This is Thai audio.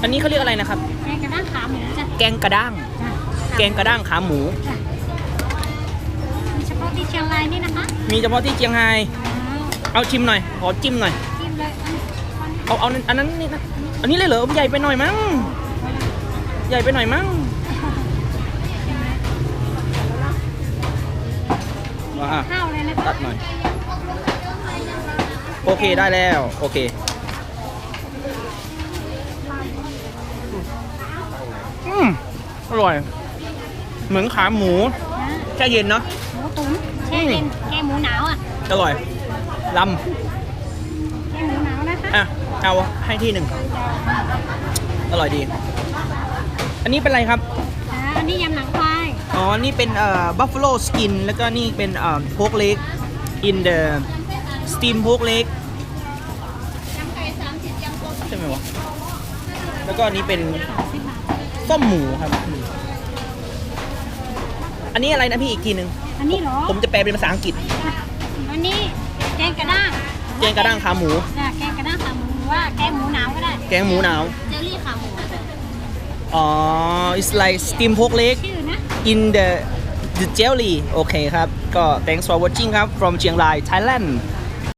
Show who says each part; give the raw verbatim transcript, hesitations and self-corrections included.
Speaker 1: อันนี้เขาเรียกอะไรนะครับ
Speaker 2: แกงกระด้างขาหมูจ้ะ
Speaker 1: แกงกระด้าง
Speaker 2: จ้ะ
Speaker 1: แกงกระด้างขาหมู
Speaker 2: จ้ะมีเฉพาะที่เชียงรายนี่นะคะ
Speaker 1: มีเฉพาะที่เชียงไฮ้
Speaker 2: อ๋อ
Speaker 1: เอาชิมหน่อย ขอจิ้มหน่อย
Speaker 2: จิ้มเลยอันนี้
Speaker 1: เอาเอาอันนั้นนี่นะ อันนี้เลยเหรอใหญ่ไปหน่อยมั้ง ใหญ่ไปหน่อยมั้งว้า
Speaker 2: ข้าวเลยนะคะ
Speaker 1: ตัดหน่อย โอเคได้แล้ว โอเค อืมอร่อย เหมือนขาหมู
Speaker 2: นะ
Speaker 1: แช่เย็นเนาะ
Speaker 2: หมูตุ๋นแช่เย็นแกงหมูหนาวอ่ะ
Speaker 1: อร่อยล
Speaker 2: แกงหมูหนาวนะคะ
Speaker 1: ำอ่ะ เอาให้ที่หนึ่ง อร่อยดี อันนี้เป็นอะไรครับ
Speaker 2: อ่าอันนี้ยำหนังควาย
Speaker 1: อ๋อ นี่เป็นเอ่อ buffalo skin แล้วก็นี่เป็นเอ่อ pork leg in the steam pork leg ใช่ไหมวะ แล้วก็อันนี้เป็น
Speaker 2: สิบบาท
Speaker 1: ส้มหมูครับ อันนี้อะไรนะพี่อีกทีหนึ่ง
Speaker 2: อันนี้เหรอ
Speaker 1: ผมจะแปลเป็นภาษาอังกฤษ
Speaker 2: อันนี้แกงกระด้าง
Speaker 1: แกงกระด้างขาหมู
Speaker 2: จ้ะแกงกระด้างขาหมูหรือว่าแกงหมูหนาวก็ได้
Speaker 1: แกงหมูหนาว
Speaker 2: เจลลี่ขาหมู
Speaker 1: อ๋อ it's like steam pork leg
Speaker 2: ชื่อนะ
Speaker 1: in the the jelly โอเคครับ ก็ thanks for watching ครับ from เชียงราย Thailand